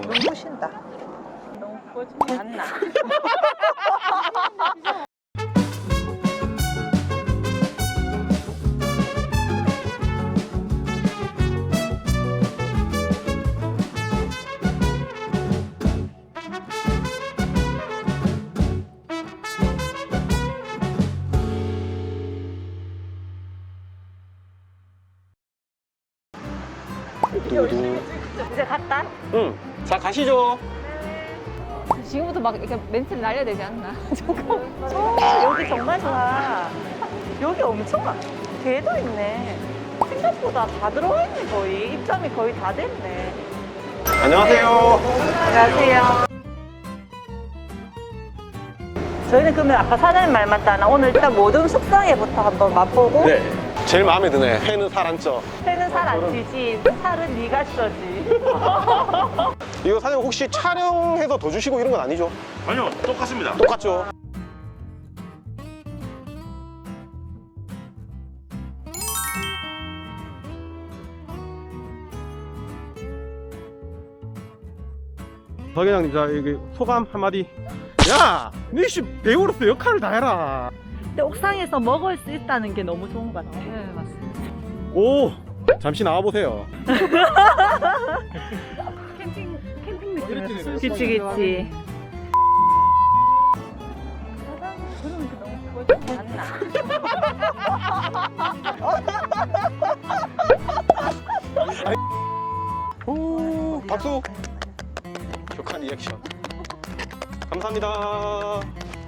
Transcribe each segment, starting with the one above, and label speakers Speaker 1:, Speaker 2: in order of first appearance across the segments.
Speaker 1: 눈부신다. 너무 꺼지지 않나? 이제 갔다?
Speaker 2: 응. 자, 가시죠.
Speaker 3: 지금부터 막 이렇게 멘트를 날려야 되지 않나?
Speaker 1: 여기 정말 좋아. 여기 엄청 개도 있네. 생각보다 다 들어와 있네 거의. 입점이 거의 다 됐네.
Speaker 2: 안녕하세요.
Speaker 1: 안녕하세요. 저희는 그러면 아까 사장님 말 맞다나 오늘 일단 모든 숙성회부터 한번 맛보고
Speaker 2: 네. 제일 마음에 드네. 회는 살 안 쪄.
Speaker 1: 회는 살 안 찌지 살은 네가 쪄지.
Speaker 2: 이거 사장님 혹시 촬영해서 더 주시고 이런 건 아니죠?
Speaker 4: 아니요, 똑같습니다.
Speaker 2: 똑같죠? 서 회장님, 자, 여기 소감 한마디. 야! 너씨 배우로서 역할을 다 해라.
Speaker 1: 근데 옥상에서 먹을 수 있다는 게 너무 좋은 것 같아.
Speaker 3: 네, 맞습니다.
Speaker 2: 오! 잠시 나와보세요.
Speaker 3: 캠핑 느낌.
Speaker 1: 그치 그치.
Speaker 2: 오, 박수! 격한 리액션. 감사합니다.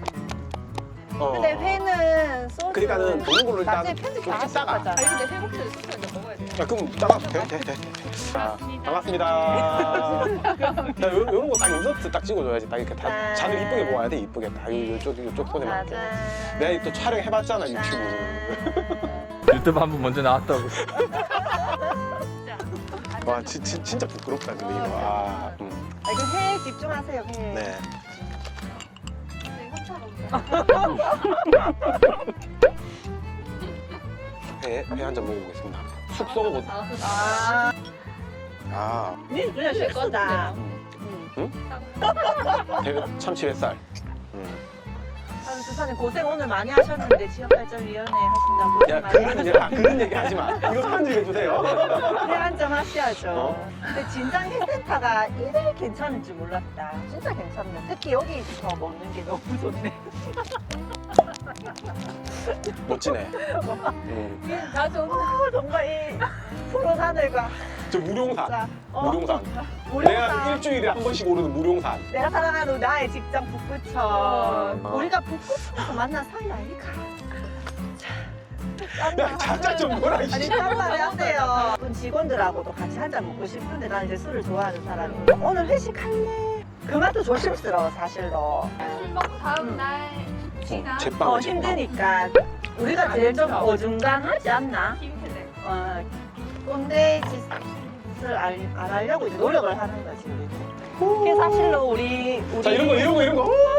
Speaker 1: 근데 회는 소스
Speaker 2: 그러니까는 보는 걸로 일단
Speaker 1: 나중에 편집
Speaker 2: 좀
Speaker 1: 다
Speaker 2: 찍다가.
Speaker 1: 하실 거잖아.
Speaker 3: 아니 근데 회복제를 숙소에서 먹어야 돼.
Speaker 2: 자, 그럼 따라도 돼? 돼. 자, 반갑습니다. 자, 요런 거 딱 인서트 딱 찍어줘야지. 딱 이렇게 다 잔을 이쁘게 모아야 돼. 이쁘게 딱 요쪽 손에 맞게. 내가 또 촬영해봤잖아, 유튜브.
Speaker 4: 유튜브 한 번 먼저 나왔다고.
Speaker 2: 와, 진짜 부끄럽다, 근데 이거. 아,
Speaker 1: 이거 회에 집중하세요. 회.
Speaker 2: 네. 회 한 잔 먹어보겠습니다. 숙소 먹어. 아,
Speaker 1: 니 그냥 쉴 거다.
Speaker 2: 참치 뱃살.
Speaker 1: 주사님 고생 오늘 많이 하셨는데 지역발전위원회 하신다고 고생
Speaker 2: 야,
Speaker 1: 많이
Speaker 2: 그런 얘기 하지 마. 이거 편집해주세요.
Speaker 1: 회 한 잔 하셔야죠.
Speaker 2: 어?
Speaker 1: 근데 진장 회센터가 이래 괜찮을 줄 몰랐다. 진짜 괜찮네. 특히 여기서 먹는 게 너무 좋네.
Speaker 2: 멋지네.
Speaker 3: 다 좋은.
Speaker 1: 정말 이 푸른 하늘과
Speaker 2: 저 무룡산.
Speaker 1: 진짜
Speaker 2: 무룡산.
Speaker 1: 무룡산.
Speaker 2: 내가 일주일에 한 번씩 오르는 무룡산.
Speaker 1: 내가 사랑하는 나의 직장 북구천. 우리가 북구천에서 만난 사이 아니까.
Speaker 2: 야, 잠깐 좀 뭐라,
Speaker 1: 아니
Speaker 2: 이씨.
Speaker 1: 짠말이 하세요. 직원들하고도 같이 한 잔 먹고 싶은데 나는 이제 술을 좋아하는 사람이에요. 오늘 회식할래? 그 맛도 조심스러워 사실로.
Speaker 3: 술 먹고 다음 날 지나
Speaker 2: 제빵.
Speaker 1: 힘드니까 우리가 제일 좀 어중간하지 않나?
Speaker 3: 힘드네.
Speaker 1: 꼰대 짓을 안 하려고 이제 노력을 하는 거지 우리도. 그게 사실로 우리
Speaker 2: 자, 이런 거.